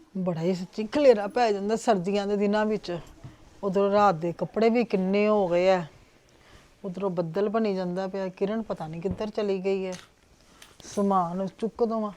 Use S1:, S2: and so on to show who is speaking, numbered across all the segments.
S1: ਬੜਾ ਹੀ ਸੱਚੀ ਖਲੇਰਾ ਪੈ ਜਾਂਦਾ ਸਰਦੀਆਂ ਦੇ ਦਿਨਾਂ ਵਿੱਚ। ਉਧਰੋਂ ਰਾਤ ਦੇ ਕੱਪੜੇ ਵੀ ਕਿੰਨੇ ਹੋ ਗਏ ਆ, ਉਧਰੋਂ ਬੱਦਲ ਬਣੀ ਜਾਂਦਾ ਪਿਆ। ਕਿਰਨ ਪਤਾ ਨਹੀਂ ਕਿੱਧਰ ਚਲੀ ਗਈ ਹੈ। ਸਮਾਨ ਚੁੱਕ ਦਵਾਂ।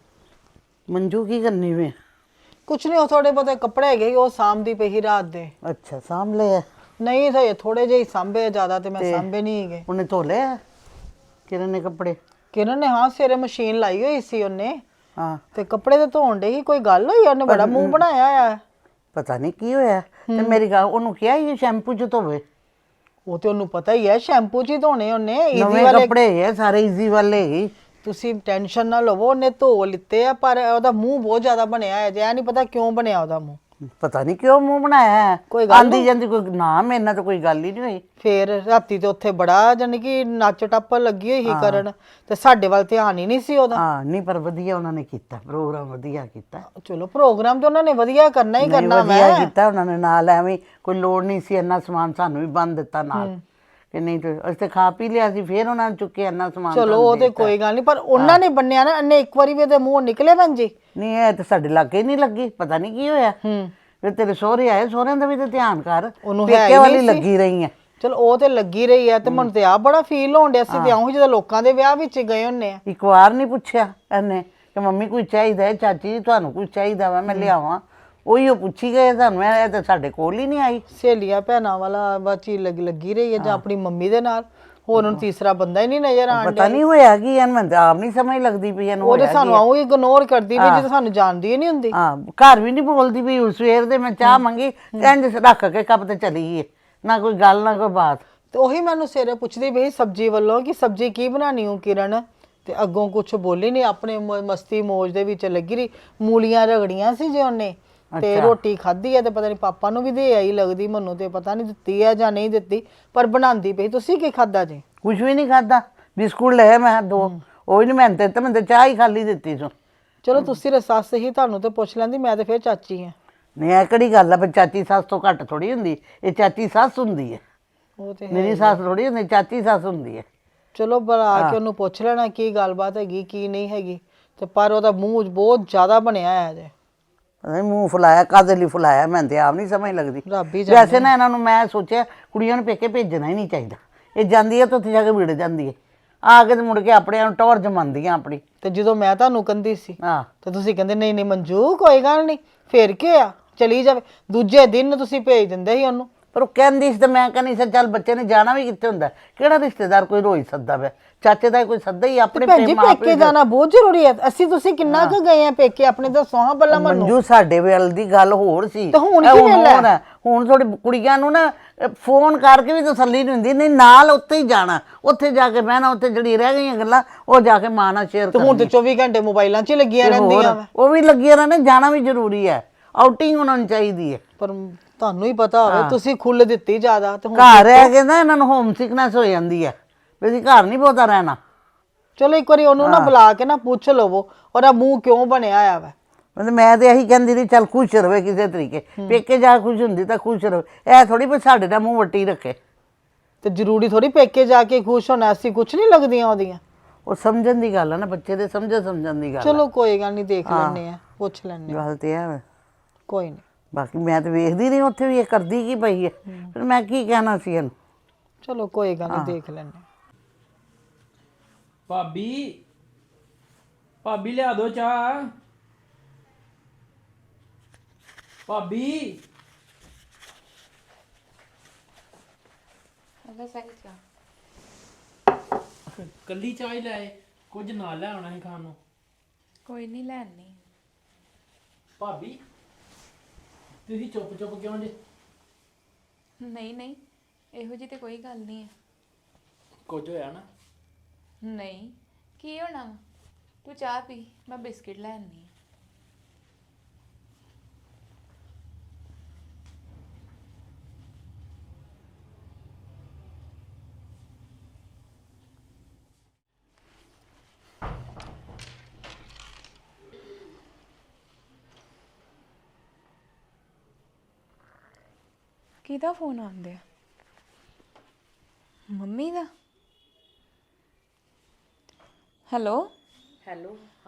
S2: ਮੰਜੂ ਕੀ ਕਰਨੀ ਵੇ?
S1: ਕੁਛ ਨਹੀਂ, ਉਹ ਥੋੜੇ ਬਹੁਤੇ ਕੱਪੜੇ ਹੈਗੇ ਸੀ, ਉਹ ਸਾਂਭਦੀ ਪਈ ਸੀ ਰਾਤ ਦੇ।
S2: ਅੱਛਾ, ਸਾਂਭ ਲਏ ਆ?
S1: ਨਹੀਂ ਤਾਂ ਥੋੜੇ ਜਿਹੇ ਹੀ ਸਾਂਭੇ, ਜ਼ਿਆਦਾ ਤੇ ਮੈਂ ਸਾਂਭੇ ਨਹੀਂ ਹੈਗੇ।
S2: ਉਹਨੇ ਧੋ ਲਏ ਆ ਕਿਰਨ ਨੇ ਕੱਪੜੇ?
S1: ਕਿਰਨ ਨੇ ਹਾਂ ਸਵੇਰੇ ਮਸ਼ੀਨ ਲਾਈ ਹੋਈ ਸੀ ਉਹਨੇ,
S2: ਹਾਂ।
S1: ਤੇ ਕੱਪੜੇ ਤੇ ਧੋਣ ਡਈ ਸੀ। ਕੋਈ ਗੱਲ ਹੋਈ? ਉਹਨੇ ਬੜਾ ਮੂੰਹ ਬਣਾਇਆ ਆ।
S2: ਪਤਾ ਨਹੀਂ ਕੀ ਹੋਇਆ। ਤੇ ਮੇਰੀ ਗੱਲ, ਉਹਨੂੰ ਕਿਹਾ ਇਹ ਸ਼ੈਂਪੂ ਚ ਧੋਵੇ।
S1: ਉਹ ਤੇ ਉਹਨੂੰ ਪਤਾ ਹੀ ਹੈ ਸ਼ੈਂਪੂ ਚ ਹੀ ਧੋਣੇ ਉਹਨੇ।
S2: ਨਵੇਂ ਕੱਪੜੇ ਹੈ ਸਾਰੇ, ਈਜ਼ੀ ਵਾਲੇ ਹੀ।
S1: ਤੁਸੀਂ ਟੈਨਸ਼ਨ ਨਾ ਲਵੋ, ਉਹਨੇ ਧੋ ਲਿੱਤੇ ਆ, ਪਰ ਉਹਦਾ ਮੂੰਹ ਬਹੁਤ ਜ਼ਿਆਦਾ ਬਣਿਆ ਹੈ ਜੇ। ਨਹੀਂ ਪਤਾ ਕਿਉਂ ਬਣਿਆ ਉਹਦਾ ਮੂੰਹ।
S2: ਪਤਾ ਨਹੀਂ ਕਿਉਂ ਮੂੰਹ ਬਣਾਇਆ।
S1: ਕੋਈ ਗੱਲ
S2: ਆਂਦੀ ਜਾਂਦੀ ਕੋਈ ਨਾ, ਮੇਰੇ ਨਾਲ ਤਾਂ ਕੋਈ ਗੱਲ ਹੀ ਨਹੀਂ ਹੋਈ।
S1: ਫੇਰ ਰਾਤੀ ਤੇ ਉੱਥੇ ਬੜਾ ਜਾਨੀ ਕਿ ਨੱਚ ਟੱਪ ਲੱਗੀ ਹੋਈ ਸੀ ਕਰਨ, ਤੇ ਸਾਡੇ ਵੱਲ ਧਿਆਨ ਹੀ ਨਹੀਂ ਸੀ ਉਹਦਾ।
S2: ਹਾਂ ਨਹੀਂ, ਪਰ ਵਧੀਆ ਉਹਨਾਂ ਨੇ ਕੀਤਾ ਪ੍ਰੋਗਰਾਮ, ਵਧੀਆ ਕੀਤਾ।
S1: ਚਲੋ ਪ੍ਰੋਗਰਾਮ ਤੇ ਉਹਨਾਂ ਨੇ ਵਧੀਆ ਕਰਨਾ ਹੀ ਕਰਨਾ।
S2: ਵਧੀਆ ਕੀਤਾ ਉਹਨਾਂ ਨੇ, ਨਾਲ ਐਵੇਂ ਕੋਈ ਲੋੜ ਨਹੀਂ ਸੀ ਇੰਨਾ ਸਮਾਨ ਸਾਨੂੰ ਵੀ ਬੰਨ ਦਿੱਤਾ ਨਾਲ ਕਿ ਨਹੀਂ ਤੇ ਅਸੀਂ ਤੇ ਖਾ ਪੀ ਲਿਆ ਸੀ। ਫੇਰ ਉਹਨਾਂ ਨੇ ਚੁੱਕੇ ਇੰਨਾ ਸਮਾਨ।
S1: ਚਲੋ ਉਹ ਤੇ ਕੋਈ ਗੱਲ ਨਹੀਂ, ਪਰ ਉਹਨਾਂ ਨੇ ਬੰਨਿਆ ਨਾ, ਇਹਨੇ ਇੱਕ ਵਾਰੀ ਵੀ ਇਹਦੇ ਮੂੰਹ ਨਿਕਲੇ ਭੈਣ ਜੀ।
S2: ਨਹੀਂ, ਇਹ ਤੇ ਸਾਡੇ ਲਾਗੇ ਨਹੀਂ ਲੱਗੀ, ਪਤਾ ਨਹੀਂ ਕੀ ਹੋਇਆ। ਫਿਰ ਤੇਰੇ ਸਹੁਰੇ ਆਏ, ਸਹੁਰਿਆਂ ਦਾ ਵੀ ਤੇ ਧਿਆਨ ਕਰ। ਪੇਕੇ ਵਾਲੀ ਲੱਗੀ ਰਹੀ ਹੈ।
S1: ਚਲੋ ਉਹ ਤੇ ਲੱਗੀ ਰਹੀ ਹੈ, ਤੇ ਮੈਨੂੰ ਤੇ ਆ ਬੜਾ ਫੀਲ ਹੋਣ ਡਿਆ ਸੀ। ਤੇ ਆਉਂ ਜਦੋਂ ਲੋਕਾਂ ਦੇ ਵਿਆਹ ਵਿੱਚ ਗਏ ਹੁੰਨੇ ਆ।
S2: ਇੱਕ ਵਾਰ ਨਹੀਂ ਪੁੱਛਿਆ ਇਹਨੇ ਕਿ ਮੰਮੀ ਕੁਝ ਚਾਹੀਦਾ ਹੈ, ਚਾਚੀ ਜੀ ਤੁਹਾਨੂੰ ਕੁਝ ਚਾਹੀਦਾ ਵਾ ਮੈਂ ਲਿਆਵਾਂ? ਉਹੀ ਉਹ ਪੁੱਛੀ ਗਏ ਤੁਹਾਨੂੰ। ਇਹ ਤਾਂ ਸਾਡੇ ਕੋਲ ਹੀ ਨਹੀਂ ਆਈ।
S1: ਸਹੇਲੀਆਂ ਭੈਣਾਂ ਵਾਲਾ ਬਾਚੀ ਲੱਗੀ ਰਹੀ ਹੈ, ਜਾਂ ਆਪਣੀ ਮੰਮੀ ਦੇ ਨਾਲ। ਹੋਰ ਉਹਨੂੰ ਤੀਸਰਾ ਬੰਦਾ ਹੀ ਨਹੀਂ ਨਜ਼ਰ ਆਣ ਡਿਆ।
S2: ਪਤਾ ਨਹੀਂ ਹੋਇਆ ਕੀ ਇਹਨੂੰ, ਮੈਨੂੰ ਆਪ ਨਹੀਂ ਸਮਝ ਲੱਗਦੀ ਪਈ ਇਹਨੂੰ।
S1: ਉਹ ਤੇ ਸਾਨੂੰ ਆਉਂ ਇਗਨੋਰ ਕਰਦੀ ਵੀ, ਜਦੋਂ ਸਾਨੂੰ ਜਾਣਦੀ ਹੀ ਨਹੀਂ ਹੁੰਦੀ।
S2: ਹਾਂ, ਘਰ ਵੀ ਨਹੀਂ ਬੋਲਦੀ ਵੀ। ਸਵੇਰ ਦੇ ਮੈਂ ਚਾਹ ਮੰਗੀ, ਇੰਝ ਰੱਖ ਕੇ ਕੱਪ ਤੇ ਚਲੀ ਗਈ, ਨਾ ਕੋਈ ਗੱਲ ਨਾ ਕੋਈ ਬਾਤ।
S1: ਤੇ ਉਹੀ ਮੈਨੂੰ ਸਵੇਰੇ ਪੁੱਛਦੀ ਪਈ ਸਬਜ਼ੀ ਵੱਲੋਂ ਕਿ ਸਬਜ਼ੀ ਕੀ ਬਣਾਣੀ ਹੋ ਕਿਰਨ, ਤੇ ਅੱਗੋਂ ਕੁਝ ਬੋਲੀ ਨਹੀਂ, ਆਪਣੇ ਮਸਤੀ ਮੌਜ ਦੇ ਵਿੱਚ ਲੱਗੀ ਰਹੀ। ਮੂਲੀਆਂ ਰਗੜੀਆਂ ਸੀ ਜੇ ਉਹਨੇ, ਤੇ ਰੋਟੀ ਖਾਧੀ ਹੈ, ਤੇ ਪਤਾ ਨਹੀਂ ਪਾਪਾ ਨੂੰ ਵੀ ਦੇ ਆਈ ਲੱਗਦੀ, ਮੈਨੂੰ ਤੇ ਪਤਾ ਨਹੀਂ ਦਿੱਤੀ ਹੈ ਜਾਂ ਨਹੀਂ ਦਿੱਤੀ, ਪਰ ਬਣਾਉਂਦੀ ਪਈ। ਤੁਸੀਂ ਕੀ ਖਾਧਾ ਜੀ?
S2: ਕੁਝ ਵੀ ਨਹੀਂ ਖਾਧਾ। ਬਿਸਕੁਟ ਲਏ ਮੈਂ 2, ਉਹ ਹੀ ਨਹੀਂ ਮੈਂ ਤੇ ਮੈਂ ਚਾਹ ਹੀ ਖਾਲੀ ਦਿੱਤੀ ਸੋ।
S1: ਚਲੋ ਤੁਸੀਂ ਸੱਸ ਹੀ, ਤੁਹਾਨੂੰ ਤੇ ਪੁੱਛ ਲੈਂਦੀ, ਮੈਂ ਤੇ ਫਿਰ ਚਾਚੀ ਹਾਂ।
S2: ਨਹੀਂ, ਇਹ ਕਿਹੜੀ ਗੱਲ ਹੈ? ਚਾਚੀ ਸੱਸ ਤੋਂ ਘੱਟ ਥੋੜੀ ਹੁੰਦੀ, ਇਹ ਚਾਚੀ ਸੱਸ ਹੁੰਦੀ ਹੈ।
S1: ਉਹ ਤੇ
S2: ਮੇਰੀ ਸੱਸ ਥੋੜੀ ਹੁੰਦੀ, ਚਾਚੀ ਸੱਸ ਹੁੰਦੀ ਹੈ।
S1: ਚਲੋ ਬੁਲਾ ਕੇ ਉਹਨੂੰ ਪੁੱਛ ਲੈਣਾ ਕੀ ਗੱਲਬਾਤ ਹੈਗੀ ਕੀ ਨਹੀਂ ਹੈਗੀ। ਤੇ ਪਰ ਉਹਦਾ ਮੂੰਹ ਬਹੁਤ ਜ਼ਿਆਦਾ ਬਣਿਆ ਹੈ ਜੇ।
S2: ਮੂੰਹ ਫੁਲਾਇਆ ਕਾਹਦੇ ਲਈ ਫੁਲਾਇਆ, ਮੈਨੂੰ ਤੇ ਆਪ ਨਹੀਂ ਸਮਝ ਲੱਗਦੀ।
S1: ਰੱਬ ਹੀ
S2: ਵੈਸੇ ਨਾ ਇਹਨਾਂ ਨੂੰ ਮੈਂ ਸੋਚਿਆ ਕੁੜੀਆਂ ਨੂੰ ਪੇਕੇ ਭੇਜਣਾ ਹੀ ਨਹੀਂ ਚਾਹੀਦਾ। ਇਹ ਜਾਂਦੀ ਹੈ ਤਾਂ ਉੱਥੇ ਜਾ ਕੇ ਵਿੜ ਜਾਂਦੀ ਹੈ, ਆ ਕੇ ਤੇ ਮੁੜ ਕੇ ਆਪਣੇ ਨੂੰ ਟੌਰ ਜਮਾਉਂਦੀਆਂ ਆਪਣੀ।
S1: ਤੇ ਜਦੋਂ ਮੈਂ ਤੁਹਾਨੂੰ ਕਹਿੰਦੀ ਸੀ
S2: ਹਾਂ,
S1: ਤੇ ਤੁਸੀਂ ਕਹਿੰਦੇ ਨਹੀਂ ਨਹੀਂ ਮੰਜੂ ਕੋਈ ਗੱਲ ਨਹੀਂ, ਫੇਰ ਕੀ ਆ ਚਲੀ ਜਾਵੇ। ਦੂਜੇ ਦਿਨ ਤੁਸੀਂ ਭੇਜ ਦਿੰਦੇ ਸੀ ਉਹਨੂੰ।
S2: ਪਰ ਉਹ ਕਹਿੰਦੀ ਸੀ ਤੇ ਮੈਂ ਕਹਿੰਦੀ ਸੀ ਚੱਲ ਬੱਚੇ ਨੇ ਜਾਣਾ ਵੀ ਕਿੱਥੇ ਹੁੰਦਾ, ਕਿਹੜਾ ਰਿਸ਼ਤੇਦਾਰ ਕੋਈ ਰੋਜ਼ ਸੱਦਾ ਪਿਆ। ਚਾਚੇ ਦਾ ਕੋਈ ਸੱਦਾ ਹੀ ਆਪਣੇ
S1: ਪੇਕੇ ਜਾਣਾ ਬਹੁਤ ਜ਼ਰੂਰੀ ਹੈ। ਅਸੀਂ ਤੁਸੀਂ ਕਿੰਨਾ ਕੁ ਗਏ ਆ ਪੇਕੇ ਆਪਣੇ, ਦੱਸੋ ਹਾਂ ਪਹਿਲਾਂ ਮੈਨੂੰ।
S2: ਮੰਜੂ ਸਾਡੇ ਵੇਲੇ ਦੀ ਗੱਲ ਹੋਰ ਸੀ,
S1: ਤੇ ਹੁਣ ਕੀ ਵੇਲੇ?
S2: ਹੁਣ ਥੋੜੀ ਕੁੜੀਆਂ ਨੂੰ ਨਾ ਫੋਨ ਕਰਕੇ ਵੀ ਤਸੱਲੀ ਨਹੀਂ ਹੁੰਦੀ, ਨਹੀਂ ਨਾਲ ਉੱਥੇ ਹੀ ਜਾਣਾ, ਉੱਥੇ ਜਾ ਕੇ ਬਹਿਣਾ, ਉੱਥੇ ਜਿਹੜੀ ਰਹਿ ਗਈਆਂ ਗੱਲਾਂ ਉਹ ਜਾ ਕੇ ਮਾਂ ਨਾਲ ਸ਼ੇਅਰ
S1: ਕਰਨੀਆਂ। ਹੁਣ ਤੇ 24 ਘੰਟੇ ਮੋਬਾਈਲਾਂ 'ਚ ਹੀ ਲੱਗੀਆਂ ਰਹਿੰਦੀਆਂ।
S2: ਉਹ ਵੀ ਲੱਗੀਆਂ ਰਹਿਣਾ, ਜਾਣਾ ਵੀ ਜ਼ਰੂਰੀ ਹੈ, ਆਊਟਿੰਗ ਹੋਣਾ ਚਾਹੀਦੀ ਹੈ।
S1: ਪਰ ਤੁਹਾਨੂੰ ਹੀ ਪਤਾ ਹੋਵੇ, ਤੁਸੀਂ ਖੁੱਲ ਦਿੱਤੀ ਜ਼ਿਆਦਾ, ਤੇ
S2: ਘਰ ਰਹਿ ਕੇ ਨਾ ਇਹਨਾਂ ਨੂੰ ਹੋਮ ਸਿਕਨੈਸ ਹੋ ਜਾਂਦੀ ਹੈ ਵੀ ਅਸੀਂ ਘਰ ਨਹੀਂ ਬਹੁਤਾ ਰਹਿਣਾ।
S1: ਚਲੋ ਇੱਕ ਵਾਰੀ ਉਹਨੂੰ ਨਾ ਬੁਲਾ ਕੇ ਨਾ ਪੁੱਛ ਲਵੋ ਉਹਦਾ ਮੂੰਹ ਕਿਉਂ ਬਣਿਆ ਆ ਵਾ।
S2: ਮਤਲਬ ਮੈਂ ਤੇ ਇਹੀ ਕਹਿੰਦੀ ਰਹੀ ਚੱਲ ਖੁਸ਼ ਰਵੇ ਕਿਸੇ ਤਰੀਕੇ, ਪੇਕੇ ਜਾ ਖੁਸ਼ ਹੁੰਦੀ ਤਾਂ ਖੁਸ਼ ਰਵੇ। ਇਹ ਥੋੜੀ ਵੀ ਸਾਡੇ ਦਾ ਮੂੰਹ ਵੱਟੀ ਰੱਖੇ।
S1: ਤੇ ਜ਼ਰੂਰੀ ਥੋੜੀ ਪੇਕੇ ਜਾ ਕੇ ਖੁਸ਼ ਹੋਣਾ, ਅਸੀਂ ਕੁਛ ਨਹੀਂ ਲੱਗਦੀਆਂ ਉਹਦੀਆਂ।
S2: ਉਹ ਸਮਝਣ ਦੀ ਗੱਲ ਹੈ ਨਾ, ਬੱਚੇ ਦੇ ਸਮਝਣ ਦੀ ਗੱਲ।
S1: ਚਲੋ ਕੋਈ ਗੱਲ ਨਹੀਂ, ਦੇਖ ਲੈਣੇ ਆ, ਪੁੱਛ ਲੈਣੇ
S2: ਗੱਲ ਤੇ ਹੈ।
S1: ਕੋਈ ਨਹੀਂ,
S2: ਬਾਕੀ ਮੈਂ ਤੇ ਵੇਖਦੀ ਰਹੀ ਉੱਥੇ ਵੀ ਇਹ ਕਰਦੀ ਕੀ ਪਈ ਹੈ, ਫਿਰ ਮੈਂ ਕੀ ਕਹਿਣਾ ਸੀ ਇਹਨੂੰ।
S1: ਚਲੋ ਕੋਈ ਗੱਲ ਨਹੀਂ, ਦੇਖ ਲੈਣੇ।
S3: ਭਾਬੀ ਭਾਬੀ ਲਿਆ ਦੋ ਚਾਹ। ਭਾਬੀ ਕੱਲੀ ਚਾਹ ਹੀ ਲੈ, ਕੁਝ ਨਾਲ ਲੈ ਆਉਣਾ ਸੀ ਖਾਣ ਨੂੰ।
S4: ਕੋਈ ਨਹੀਂ ਲੈਣੀ।
S3: ਭਾਬੀ ਤੁਸੀਂ ਚੁੱਪ ਚੁੱਪ ਕਿਉਂ ਜੇ?
S4: ਨਹੀਂ ਨਹੀਂ, ਇਹੋ ਜੀ ਤੇ ਕੋਈ ਗੱਲ ਨਹੀਂ ਹੈ।
S3: ਕੁਝ ਹੋਇਆ ਨਾ?
S4: ਨਹੀਂ, ਕੀ ਹੋਣਾ ਵਾ? ਤੂੰ ਚਾਹ ਪੀ, ਮੈਂ ਬਿਸਕਿਟ ਲੈ ਆਨੀ। ਕਿਹਦਾ ਫੋਨ ਆਉਂਦਾ? ਮੰਮੀ ਦਾ। ਹੈਲੋ
S2: ਹੈਲੋ,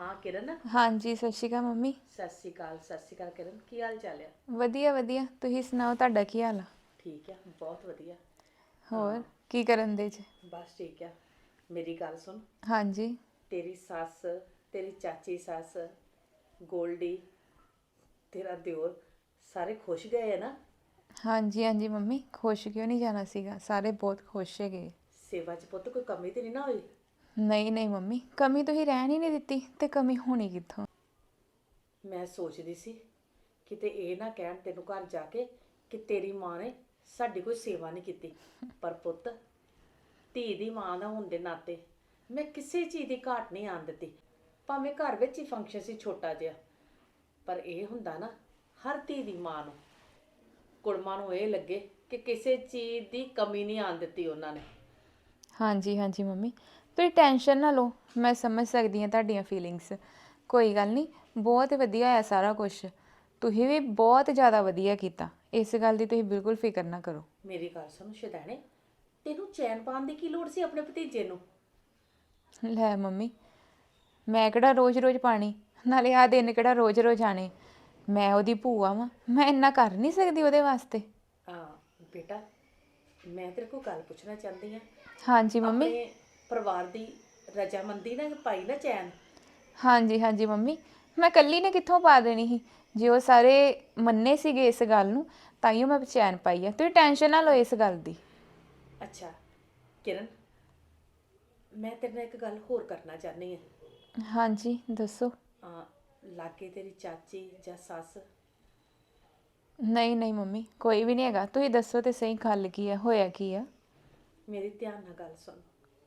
S5: ਹਾਂ ਕਿਰਨ,
S4: ਹਾਂਜੀ ਸਤਿ ਸ਼੍ਰੀ ਅਕਾਲ ਮੰਮੀ।
S5: ਸਤਿ ਸ਼੍ਰੀ ਅਕਾਲ। ਸਤਿ ਸ਼੍ਰੀ ਅਕਾਲ ਕਿਰਨ, ਕੀ ਹਾਲ ਚਾਲ ਆ?
S4: ਵਧੀਆ ਵਧੀਆ, ਤੁਸੀਂ ਸੁਣਾਓ ਤੁਹਾਡਾ ਕੀ ਹਾਲ ਆ?
S5: ਠੀਕ ਆ, ਬਹੁਤ ਵਧੀਆ।
S4: ਹੋਰ ਕੀ ਕਰਨ ਦੇ ਜੀ?
S5: ਬਸ ਠੀਕ ਆ। ਮੇਰੀ ਗੱਲ ਸੁਣ,
S4: ਹਾਂਜੀ
S5: ਤੇਰੀ ਸੱਸ, ਤੇਰੀ ਚਾਚੀ ਸੱਸ, ਗੋਲਡੀ, ਤੇਰਾ ਦਿਓਰ ਸਾਰੇ ਖੁਸ਼ ਗਏ ਆ ਨਾ?
S4: ਹਾਂਜੀ ਹਾਂਜੀ ਮੰਮੀ, ਖੁਸ਼ ਕਿਉਂ ਨਹੀਂ ਜਾਣਾ ਸੀਗਾ, ਸਾਰੇ ਬਹੁਤ ਖੁਸ਼ ਹੈਗੇ।
S5: ਸੇਵਾ 'ਚ ਪੁੱਤ ਕੋਈ ਕਮੀ ਤੇ ਨਹੀਂ ਨਾ ਹੋਈ?
S4: ਨਹੀਂ ਨਹੀਂ ਮੰਮੀ, ਕਮੀ ਤੁਸੀਂ ਰਹਿਣ ਹੀ ਨਹੀਂ ਦਿੱਤੀ ਤੇ ਕਮੀ ਹੋਣੀ ਕਿੱਥੋਂ।
S5: ਮੈਂ ਸੋਚਦੀ ਸੀ ਕਿਤੇ ਇਹ ਨਾ ਕਹਿਣ ਤੈਨੂੰ ਘਰ ਜਾ ਕੇ ਕਿ ਤੇਰੀ ਮਾਂ ਨੇ ਸਾਡੀ ਕੋਈ ਸੇਵਾ ਨਹੀਂ ਕੀਤੀ। ਪਰ ਪੁੱਤ, ਧੀ ਦੀ ਮਾਂ ਦਾ ਹੋਣ ਦੇ ਨਾਤੇ ਮੈਂ ਕਿਸੇ ਚੀਜ਼ ਦੀ ਘਾਟ ਨਹੀਂ ਆਣ ਦਿੱਤੀ। ਭਾਵੇਂ ਘਰ ਵਿੱਚ ਹੀ ਫੰਕਸ਼ਨ ਸੀ ਛੋਟਾ ਜਿਹਾ, ਪਰ ਇਹ ਹੁੰਦਾ ਨਾ ਹਰ ਧੀ ਦੀ ਮਾਂ ਨੂੰ, ਕੁੜਮਾਂ ਨੂੰ ਇਹ ਲੱਗੇ ਕਿ ਕਿਸੇ ਚੀਜ਼ ਦੀ ਕਮੀ ਨਹੀਂ ਆਣ ਦਿੱਤੀ ਉਹਨਾਂ ਨੇ।
S4: ਹਾਂਜੀ ਹਾਂਜੀ ਮੰਮੀ, ਤੁਸੀਂ ਟੈਨਸ਼ਨ ਨਾ ਲਓ, ਮੈਂ ਸਮਝ ਸਕਦੀ ਹਾਂ ਤੁਹਾਡੀਆਂ ਫੀਲਿੰਗਸ। ਕੋਈ ਗੱਲ ਨਹੀਂ, ਬਹੁਤ ਵਧੀਆ ਹੈ ਸਾਰਾ ਕੁਝ। ਤੁਸੀਂ ਵੀ ਬਹੁਤ ਜ਼ਿਆਦਾ ਵਧੀਆ ਕੀਤਾ, ਇਸ ਗੱਲ ਦੀ ਤੁਸੀਂ ਬਿਲਕੁਲ ਫਿਕਰ ਨਾ ਕਰੋ।
S5: ਮੇਰੀ ਗੱਲ ਸੁਣ ਸ਼ੈਦਾਨੇ, ਤੈਨੂੰ ਚੈਨ ਪਾਉਣ ਦੀ ਕੀ ਲੋੜ ਸੀ ਆਪਣੇ ਭਤੀਜੇ ਨੂੰ?
S4: ਲੈ ਮੰਮੀ, ਮੈਂ ਕਿਹੜਾ ਰੋਜ਼-ਰੋਜ਼ ਪਾਣੀ, ਨਾਲੇ ਆਹ ਦਿਨ ਕਿਹੜਾ ਰੋਜ਼-ਰੋਜ਼ ਆਣੇ। ਮੈਂ ਉਹਦੀ ਭੂਆ ਵਾਂ, ਮੈਂ ਇੰਨਾ ਕਰ ਨਹੀਂ ਸਕਦੀ ਉਹਦੇ ਵਾਸਤੇ।
S5: ਬੇਟਾ, ਮੈਂ ਤੇਰੇ ਕੋਲ ਗੱਲ ਪੁੱਛਣਾ ਚਾਹੁੰਦੀ ਆ।
S4: ਹਾਂਜੀ ਮੰਮੀ।
S5: ਆਪਣੇ ਪਰਿਵਾਰ ਦੀ ਰਜਾਮੰਦੀ ਨਾਲ ਪਾਈ ਨਾ ਚੈਨ?
S4: ਹਾਂਜੀ ਹਾਂਜੀ ਮੰਮੀ, ਮੈਂ ਇਕੱਲੀ ਨੇ ਕਿੱਥੋਂ ਪਾ ਦੇਣੀ ਸੀ। ਜੇ ਉਹ ਸਾਰੇ ਮੰਨੇ ਸੀਗੇ ਇਸ ਗੱਲ ਨੂੰ, ਤਾਈਓ ਮੈਂ ਚੈਨ ਪਾਈ ਆ। ਤੁਸੀਂ ਟੈਨਸ਼ਨ ਨਾ ਲਓ ਇਸ ਗੱਲ ਦੀ।
S5: ਅੱਛਾ ਕਿਰਨ, ਮੈਂ ਤੇਰੇ ਨਾਲ ਇੱਕ ਗੱਲ ਹੋਰ ਕਰਨਾ ਚਾਹੁੰਦੀ ਹਾਂ।
S4: ਹਾਂਜੀ ਦੱਸੋ।
S5: ਲਾਗੇ ਤੇਰੀ ਚਾਚੀ ਜਾਂ ਸੱਸ?
S4: ਨਹੀਂ ਨਹੀਂ ਮੰਮੀ, ਕੋਈ ਵੀ ਨਹੀਂ ਹੈਗਾ। ਤੁਸੀਂ ਦੱਸੋ ਤੇ ਸਹੀ, ਗੱਲ ਕੀ ਆ, ਹੋਇਆ ਕੀ ਆ?
S5: ਮੇਰੀ ਧਿਆਨ ਨਾਲ ਗੱਲ ਸੁਣ।